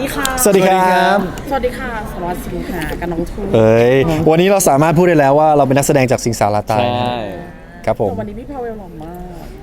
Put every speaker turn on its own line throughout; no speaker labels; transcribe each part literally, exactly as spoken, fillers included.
ดีค่ะ
สวัสดีครับ
สวัสดีค่ะสวัสดีค่ะกับน้องทู
เอ้ยวันนี้เราสามารถพูดได้แล้วว่าเราเป็นนักแสดงจากสิงสาราตายนะครับผม
วันนี้พี่พาเวลหล่อมาก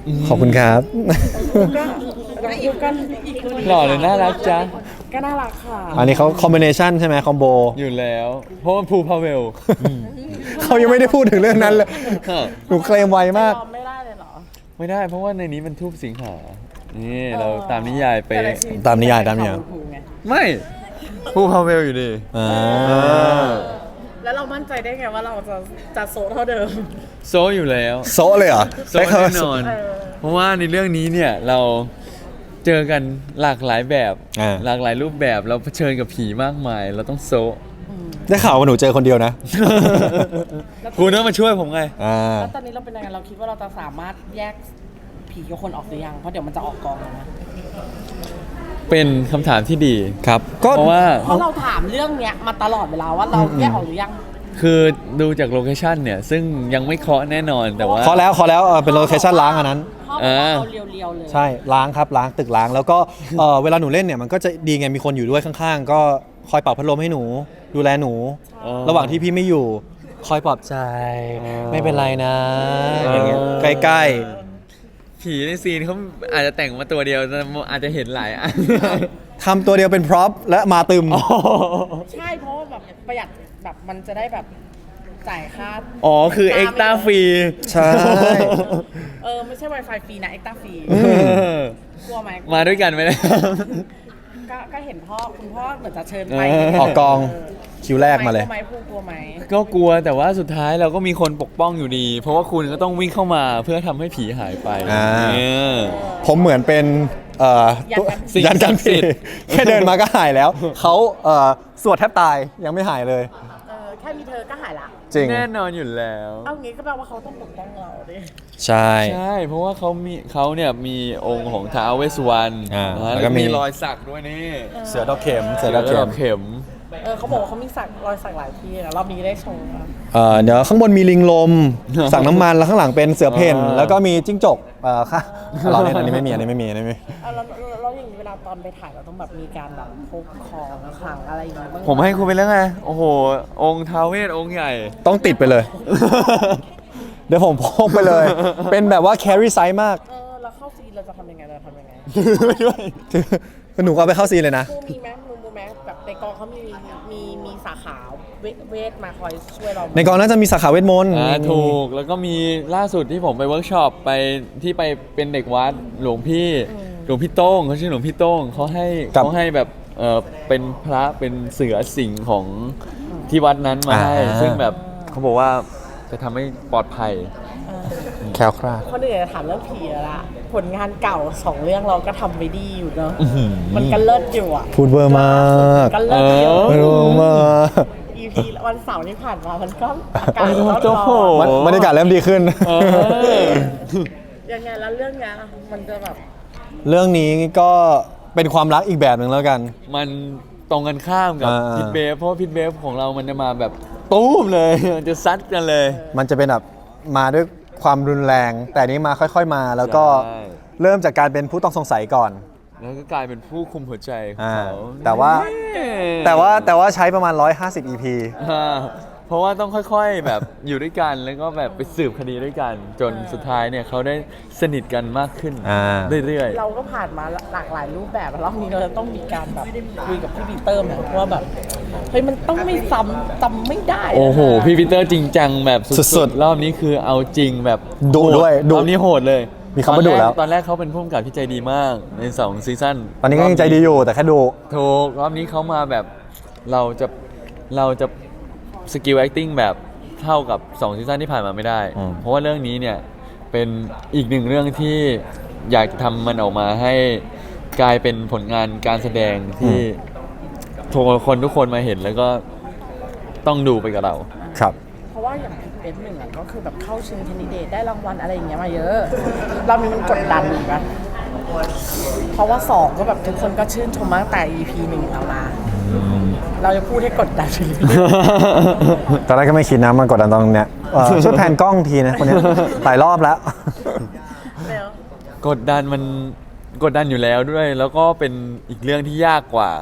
ขอบคุณครับ
ก็น้องทูก็อีกคน
หล่อเลยน่ารักจัง
ก็น่ารักค่ะ
อันนี้เขาคอมบิเนชันใช่ไหมคอมโบ
อยู่แล้ว เพราะมันภูพาเวล
เขายังไม่ได้พูดถึงเรื่องนั้นเลยหนูเคลมไวมาก
ยอมไม่ได้เลยเหรอ
ไม่ได้เพราะว่าในนี้มันทูบสิงหา นี่เราตามนิยายไป
แต่ในชีวิ
ตามนิยายตามนิยาย
ภูไง
ไม่ภูพาเวลอยู่ดี
อ่า
แล้วเรามั่นใจได้ไงว่าเราจะจะโซเท่าเดิม
โซอยู่แล้ว
โซะเลยเหรอ
โซแน่นอน
เออ
เพราะว่าในเรื่องนี้เนี่ยเราเจอกันหลากหลายแบบ
อ่า
หลากหลายรูปแบบเราเผชิญกับผีมากมาย เราต้องโซ
ได้ข่าวว่าหนูเจอคนเดียวนะ
คุณต้องมาช่วยผมไง
อ่า
แล้วตอนนี้เราเป็นยังไงเราคิดว่าเราจะสามารถแยกผีกับคนออกหรือยังเพราะเดี๋ยวมันจะออกกองแล้วนะ
เป็นคำถามที่ดี
ครับ ก็
เพราะว่า
เพราะเราถามเรื่องเนี้ยมาตลอดเวลาว่าเราแยกออกหรือยัง
คือดูจากโลเคชันเนี่ย ซึ่งยังไม่เคาะแน่นอนแต่ว่า
ขอแล้วขอแล้วเออเป็นโลเคชั่นล้างอันนั้น
พ่อบอกว่าเอาเรียวๆเลย
ใช่ล้างครับล้างตึกล้างแล้วก็เออเวลาหนูเล่นเนี่ยมันก็จะดีไงมีคนอยู่ด้วยข้างๆ ก็คอยเป่าพัดลมให้หนู ดูแลหนู
อ๋อ
ระหว่างที่พี่ไม่อยู่ คอยปลอบใจ
อ๋อ
ไม่เป็นไรนะอย่างเงี้ยใกล้
ผีในซีนเขาอาจจะแต่งมาตัวเดียวแต่อาจจะเห็นหลายอัน
ๆทำตัวเดียวเป็นพร็อพและมาตึม
ใช่เพราะว่าแบบประหยัดแบบมันจะได้แบบจ่ายค่า
อ๋อ คือเอ็กซ์ต้าฟรี
ใช่
เออไม่ใช่ Wi-Fi ฟรีนะเอ็กซ์ต้าฟรีกลัวไหม
มาด้วยกันไหมเนี่ย
ก็ก็เห็นพ่อคุณพ่อเหมือนจะเชิญไป
เออ
ออกกองคิวแรกมาเลย
กลัวไหมพูกลัวไหม
ก็กลัวแต่ว่าสุดท้ายเราก็มีคนปกป้องอยู่ดี เพราะว่าคุณก็ต้องวิ่งเข้ามาเพื่อทำให้ผีหายไป
อ่า
เนี่ย
ผมเหมือนเป็นเอ่อตัว
สิ่ง
ยันกัน
ศักดิ์สิ
ผิ
ท
ด
ธิ์
แค่เดินมาก็หายแล้ว เขาเอ่อสวดแทบตายยังไม่หายเลย
เออแค่มีเธอก็หายละ
จริง
แน่นอนอยู่แล้ว
เอางี้ก็แปลว่าเขาต้องปกป้องเราดิ
ใช่
ใช่ เพราะว่าเขามีเขาเนี่ยมีองค์ของท้าวเวสสุวรรณ
อ่า
นะ
แล้
แล้ว ว
ก็
ก็
มี
มีรอยสักด้วยนี่
เสือดอกเข็มเสือ
แล้
ด
ว
อก
ก็
เข็
ดอ
ม
กเข็ม
เออเขาบอกว่าเขามีสักรอยสักหลายที่นะรอบนี้ได้โชว์อะ
เอ่อเดี๋ยวข้างบนมีลิงลม สั่งน้ำมันแล้วข้างหลังเป็นเสือเพ่น
อ่า
แล้วก็มีจิ้งจกเอ่อค่ะเราเล่นอันนี้ไม่มีอันนี้ไม่มีอันนี้ไม่มี
เอาแล้วแล้วแล้วอย่างนี้เวลาตอนไปถ่ายเราต้องแบบมีการแบบพกของขลังอะไรอย่างเงี้ยบ้าง
ผมให้คุณไปแล้วไง โอ้โห องค์ท้าวเวสองค์ใหญ่
ต้องติดไปเลย เดี๋ยวผมพกไปเลย เป็นแบบว่า carry size มาก
เออแล้วเข้าซีนเราจะทำยังไงเราจะทำยังไง
ไม่ด้วย
คือหนูก็เอาไปเข้าซีนเลยนะ
ครูมีไหมมึงรู้ไหมแบบในกองเขามีมีมีสาขาเวเวทมาคอยช่วยเราไหม
ในกองน่าจะมีสาขาเวทมนต์
อ่าถูก แล้วก็มีล่าสุดที่ผมไปเวิร์กช็อปไปที่ไปเป็นเด็กวัดหลวงพี่หลวงพี่โต้งเขาชื่อหลวงพี่โต้งเขาให้เขาให้แบบเออเป็นพระเป็นเสือสิงห์ของที่วัดนั้นมาให้ซึ่งแบบเขาบอกว่าจะทำให้ปลอดภัย
แคล้วคลาด
คนอื่นจะถามเรื่องผีแล้วล่ะผลงานเก่าสองเรื่องเราก็ทำไว้ดีอยู่เนอะมันก็เลิศอยู่อ่ะ
พูดเวอร์มาก
ก็เลิศอยู่
เออ
เวอร์มาก
อีพีวันเสาร์ที่ผ่านมามันก็อากาศ
โอ้
ร้อน
โห
ร้อน
บรรบรรยากาศเริ่มดีขึ้น
เออ
ยังไงแล้วเรื่องเนี้ยมันจะแบบ
เรื่องนี้ก็เป็นความรักอีกแบบหนึ่งแล้วกัน
มันตรงกันข้ามกับ
อ่า
พิทเบฟเพราะว่าพิทเบฟของเรามันจะมาแบบตู้มเลยมันจะซัดกันเลย
มันจะเป็นแบบมาด้วยความรุนแรง แต่นี้มาค่อยๆมา แล้วก็
ใช่
เริ่มจากการเป็นผู้ต้องสงสัยก่อน
แล้วก็กลายเป็นผู้คุมหัวใจของ
อ่า
เขา
แต่ว่า แต่ว่าแต่ว่าใช้ประมาณหนึ่งร้อยห้าสิบ อี พี
อ่าเพราะว่าต้องค่อยๆแบบอยู่ด้วยกันแล้วก็แบบไปสืบคดีด้วยกัน จนสุดท้ายเนี่ยเขาได้สนิทกันมากขึ้น
อ่า
เรื่อย
เราก็ผ่านมาหลากหลายรูปแบบแล้วรอบนี้เราจะต้องมีการแบบคุยกับพี่ปีเตอร์ไหมว่าแบบเฮ้ยมันต้องไม่ซ้ำจำไม่ได้
ๆ โอ้โห
นะ
พี่ปีเตอร์จริงจังแบบ
สุ
สุ
ด
ด
ๆ
ๆรอบนี้คือเอาจริงแบบ
ดุด้วย
โห
ดุ
รอบนี้โหดเลย
มีคำว่าดุแล้ว
ตอนแรกเขาเป็นผู้กำกับที่ใจดีมากในสองซีซั่น
ตอนนี้ก็ยังใจดีอยู่แต่แค่ดู
ถูกรอบนี้เขามาแบบเราจะเราจะสกิล acting แบบเท่ากับสองซีซั่นที่ผ่านมาไม่ได้
อืม
เพราะว่าเรื่องนี้เนี่ยเป็นอีกหนึ่งเรื่องที่อยากจะทำมันออกมาให้กลายเป็นผลงานการแสดงที่ทุกคนทุกคนมาเห็นแล้วก็ต้องดูไปกับเรา
ครับ
เพราะว่าอย่างเป็นหนึ่งอะก็คือแบบเข้าชิงแคนดิเดตได้รางวัลอะไรอย่างเงี้ยมาเยอะเรามีมันกดดันอยู่ปะเพราะว่าสองก็แบบทุกคนก็ชื่นชมมาตั้งแต่ อี พี หนึ่งเรามา เราจะพูดให้กดดันไปเรื่อย
ตอนแรกก็ไม่คิดนะมันกดดันตรงเนี้ยเอ่อช่วยแพนกล้องทีนะคนเนี้ยหลายรอบแล้ว
ๆแล้ว
กดดันมันกดดันอยู่แล้วด้วย แล้วก็เป็นอีกเรื่องที่ยากกว่า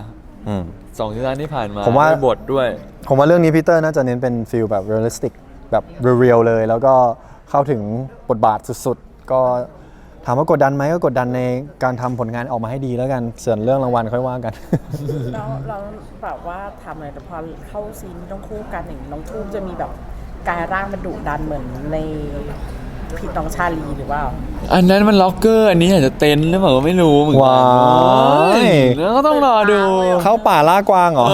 อืม
สองซีซั่นที่ผ่านมา
ผมว่า
ด้วยบทด้วย
ผมว่าเรื่องนี้พีเตอร์น่าจะเน้นเป็นฟิลแบบเรียลลิสติกแบบเรียลๆเลย แล้วก็เข้าถึงบทบาทสุดๆ ก็ถามว่ากดดันไหมก็กดดันในการทำผลงานออกมาให้ดีแล้วกันส่วนเรื่องรางวัลค่อยว่ากัน
แล้วเราแบบว่าทำอะไรแต่พอเข้าซีนที่ต้องคู่กันอย่างน้องทูบจะมีแบบกายร่างมันดุดันเหมือนในผิดน้องชาลีหรือว่า
อันนั้นมันล็อกเกอร์อันนี้อาจจะเต็นท์หรือเปล่าก็ไม่รู้เหมือนกั
ว้าย
แล้วก็ต้องรอดู
เข้าป่าล่ากวางเหรอ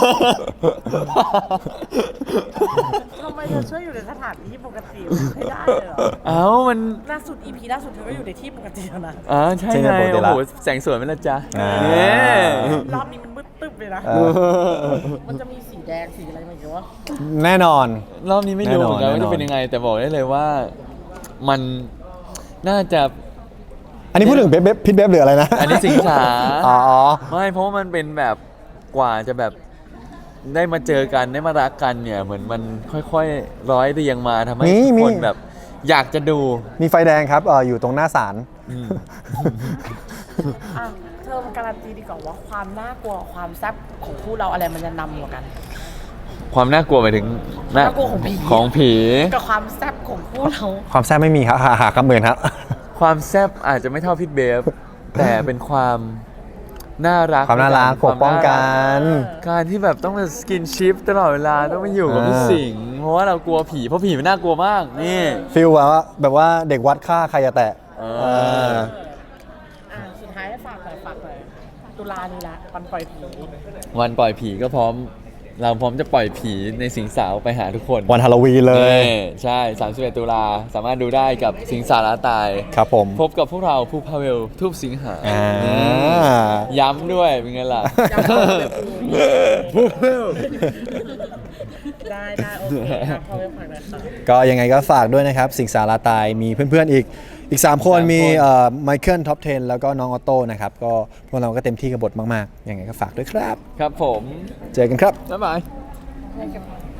ทำไมเธอช่วยอยู่ในสถานที่ปกติไม่ได้เลยเหรอ
เอ้ามัน
ล่าสุด อี พี ล่าสุดเธอก็อยู่ในที่ปกติแล้วนะ
อ๋อใช่
ใช่
ไง
ในบทเด
โอ้
ละ
โหแสงสวยไหมล่ะจ๊ะ
อ่า
เนี่ย
รอบนี้มันมืดตึ๊บเลยนะ
เออ
มันจะมีสีแดงสีอะไรมาอีกวะ
แน่นอน
รอบนี้ไม่รู้เหมือนกัน
แน่นอน
ว่าจะเป็นยังไง แต่บอกได้เลยว่ามันน่าจะ
อันนี้พูดถึงเบบเบบพิทเบบหรืออะไรนะ
อันนี้สิงสา
อ๋อ
ไม่เพราะว่ามันเป็นแบบกว่าจะแบบได้มาเจอกันได้มารักกันเนี่ย เหมือนมันค่อยๆร้อยเรียงมาทำให้
มี
ทุกคน
มี
แบบอยากจะดู
มีไฟแดงครับเอออยู่ตรงหน้าศาล
อืม
อ่ะเธอมันการันตีดีกว่าว่าความน่ากลัวความแซ่บของคู่เราอะไรมันจะนำกว่ากัน
ความน่ากลัวหมายถึง
น่ากลัวของผี
ของผี
กับความแซ่บของคู่เรา
ความแซ่บไม่มีครับหาหาคำเหมือนครับ
ความแซ่บอาจจะไม่เท่าพิทเบฟ แต่เป็นความน่ารัก
ความน่ารักปกป้องกัน
การที่แบบต้องมาสกินชิปตลอดเวลาต้องมาอยู่กับพี่สิงห์เพราะว่าเรากลัวผีเพราะผีมันน่ากลัวมากนี่
ฟิลแบบว่าแบบว่าเด็กวัดฆ่าใครจะแตะ
เออ
เออ
อ่ะสุดท้ายให้ฝากหน่อยฝากหน่อยตุลานี้ละวันปล่อยผี
วันปล่อยผีก็พร้อม เราพร้อมจะปล่อยผีในสิงสาวไปหาทุกคน
วันฮาโลวีนเลย
นี่ใช่สามสิบเอ็ดตุลาสามารถดูได้กับสิงสาราตาย
ครับผม
พบกับพวกเราภูพาเวลทูบสิงหา
อ่า
ย้ำด้วยเป็นไงล่ะ
จำได้เลย
ภูพาเวล
ได้ได้โอเคครับพอไปฝากหน่อยค่ะ
ก็ยังไงก็ฝากด้วยนะครับ สิงสาราตายมีเพื่อนๆอีกอีก 3 คน
สามคน
มีไมเคิลท็อปสิบแล้วก็น้องออโต้นะครับ ก็พวกเราก็เต็มที่กับบทมากๆ ยังไงก็ฝากด้วยครับ
ครับผม
เจอกันครับ
บ๊ายบาย
ให้กับ